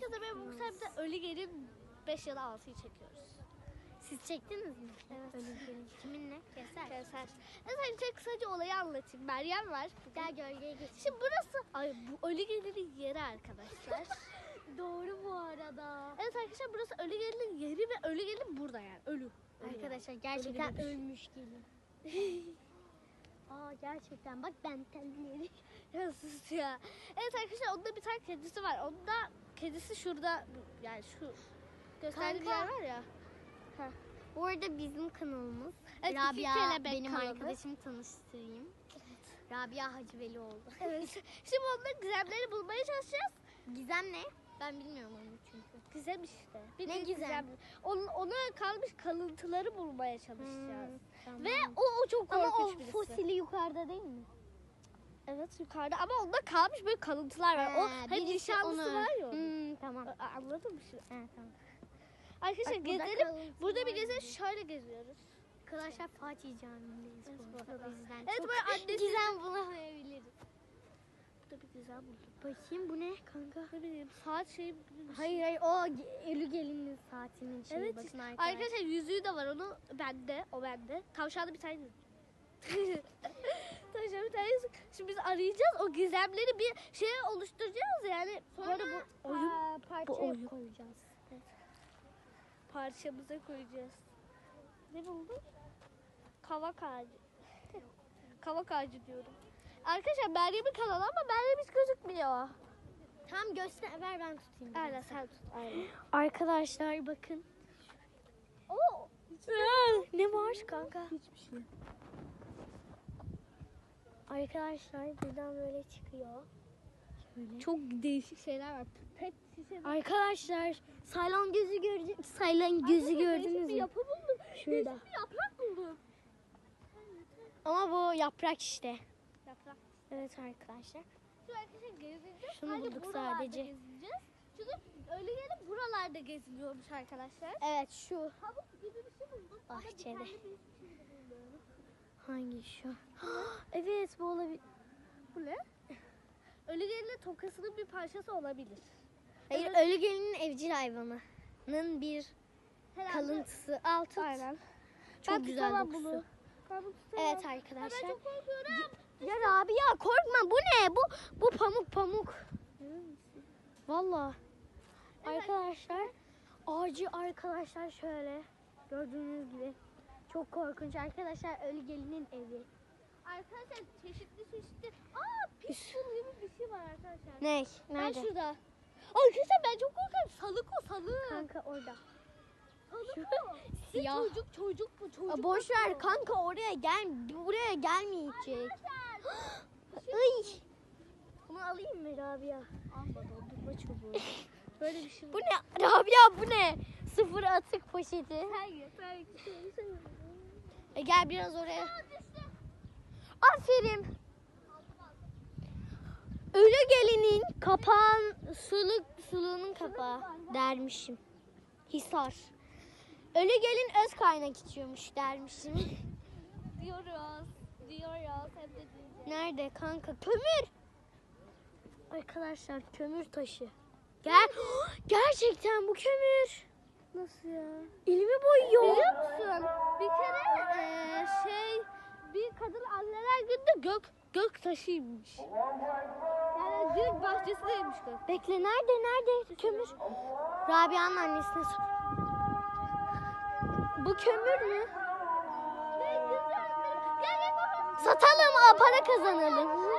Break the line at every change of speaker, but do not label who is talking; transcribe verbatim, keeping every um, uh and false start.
Herkese merhaba. Bu sefer de Ölü Gelin beş ya da altıyı çekiyoruz.
Siz çektiniz mi?
Evet.
Ölü Gelin. Kiminle? Keser.
Keser. Evet, önce kısaca olayı anlatayım. Meryem var.
Gel gölgeye geç.
Şimdi burası ay bu Ölü Gelin'in yeri arkadaşlar.
Doğru bu arada.
Evet arkadaşlar, burası Ölü Gelin'in yeri ve Ölü Gelin burada yani. Ölü. Ölü
Arkadaşlar
yani.
gerçekten
Ölü
ölmüş gelin. Aa gerçekten bak ben telleri.
Ya sus ya. Evet arkadaşlar, onda bir tane kedisi var. Onda kedisi şurada, yani şu gösterdiğim
Kanka.
yer var ya.
Bu arada bizim kanalımız.
Evet, iki
Rabia
kelebek
benim
kanalı.
arkadaşımı tanıştırayım. Rabia Hacıvelioğlu.
Evet. Şimdi onların gizemleri bulmaya çalışacağız.
Gizem ne? Ben bilmiyorum onu çünkü.
Gizem işte. Bir
Ne
bir
gizem?
Onun, ona kalmış kalıntıları bulmaya çalışacağız.
Hmm, tamam.
Ve o, o çok
Ama
korkunç
o
birisi.
fosili yukarıda değil mi?
Evet, yukarıda ama onda kalmış böyle kalıntılar var. O
He,
hani
birisi
nişanlısı
onu-
var ya onun.
Hmm, tamam.
A- Anladın mı şimdi?
He, tamam.
Arkadaşlar
Bak, burada
gezelim.
kalıntılar
Burada bir gezelim.
gibi.
Şöyle geziyoruz.
Arkadaşlar Fatih Camii'ndeyiz
Evet,
bu
bu
arada.
arada.
O yüzden
Evet,
çok
böyle annesi-
gizem bulamayabiliriz.
Burada bir güzel buldum.
Bakayım bu ne kanka?
Ne bileyim, saat şey gibi bir şey.
Hayır hayır o ge- Ölü Gelin'in saatinin şeyi.
Evet,
Bakın
işte.
arkadaşlar.
Arkadaşlar yüzüğü de var, onu bende, o bende. Tavşanda bir tane yüzük. Tavşanda bir tane yüzük. Şimdi biz arayacağız, o gizemleri bir şeye oluşturacağız yani. Sonra bu oyun
Aa, parçaya
bu oyun.
koyacağız.
parçamıza koyacağız. Ne buldun? Kavak ağacı. Kavak ağacı diyorum. Arkadaşlar Meryem'in kanalı ama Meryem hiç gözükmüyor.
Tam göster ver ben tutayım. biraz.
Aynen, sen tut. Aynen.
Arkadaşlar bakın.
Oo.
Ne var kanka?
Hiçbir şey.
Arkadaşlar buradan böyle çıkıyor. Şöyle.
Çok değişik şeyler var. Pet şişe.
Arkadaşlar Saylan gözü gördü. Saylan gözü
Arkadaşlar,
gördünüz
değişik bir
mü?
yapı buldum.
Şurada.
Değişik bir yaprak buldum.
Ama bu yaprak işte.
Yaprak.
Evet arkadaşlar.
Şu arkadaşlar gezeceğiz.
Şunu
Sadece
bulduk
buralarda
sadece.
Gezeceğiz. Çünkü öyle gelip buralarda geziliyormuş arkadaşlar.
Evet şu.
Havuz gibi bir şey bulduk. Ama
Bahçede.
dikenli bir şey buldum.
Hangi şu? Evet bu olabilir.
Bu ne? Ölü gelinin tokasının bir parçası olabilir.
Hayır
Evet.
ölü gelinin evcil hayvanının bir
Herhalde-
kalıntısı. Al tut.
Aynen.
Çok
Ben
güzel
tutamam
dokusu.
bunu. Ben bunu tutamam.
Evet
Ama
arkadaşlar.
ben çok korkuyorum.
Ya Rabia korkma bu ne? Bu bu pamuk pamuk. Vallahi.
Evet.
Arkadaşlar ağacı arkadaşlar şöyle gördüğünüz gibi çok korkunç arkadaşlar ölü gelinin evi.
Arkadaşlar çeşitli çeşitli. Aa, pitbull gibi bir şey var arkadaşlar.
Ne?
Ben
Nerede?
şurada. Arkadaşlar ben çok korkuyorum. Salık o, salık.
Kanka orada.
Salık o.
Siyah.
Çocuk çocuk bu çocuk.
Aa, boş ver
bakıyor.
kanka oraya gel buraya gelmeyecek.
Arkadaşlar.
Ay. Bunu alayım mı Rabia?
Alma, dondurma çubuğu. Böyle bir şey
Bu
var.
ne? Rabia bu ne? Sıfır atık poşeti.
Hayır, hayır.
E gel biraz oraya.
Aa, düştü.
Aferin. Ölü gelinin kapağın suluk suluğunun kapağı dermişim. Hisar. Ölü gelin öz kaynak içiyormuş dermişim.
Diyoruz. Diyoruz. Hem de diyeceğiz.
Nerede kanka? Kömür. Arkadaşlar kömür taşı. Gel. Gerçekten bu kömür.
Nasıl ya?
Elimi boyuyor.
Biliyor musun? Bir kere eee, şey bir kadın anneler günde gök gök taşıymış. Yani gök bahçesindeymiş gök.
Bekle nerede nerede kömür? Rabia'nın annesine sor. Bu kömür mü?
Ne güzel. Gel gel baba.
Satalım, aa, para kazanalım.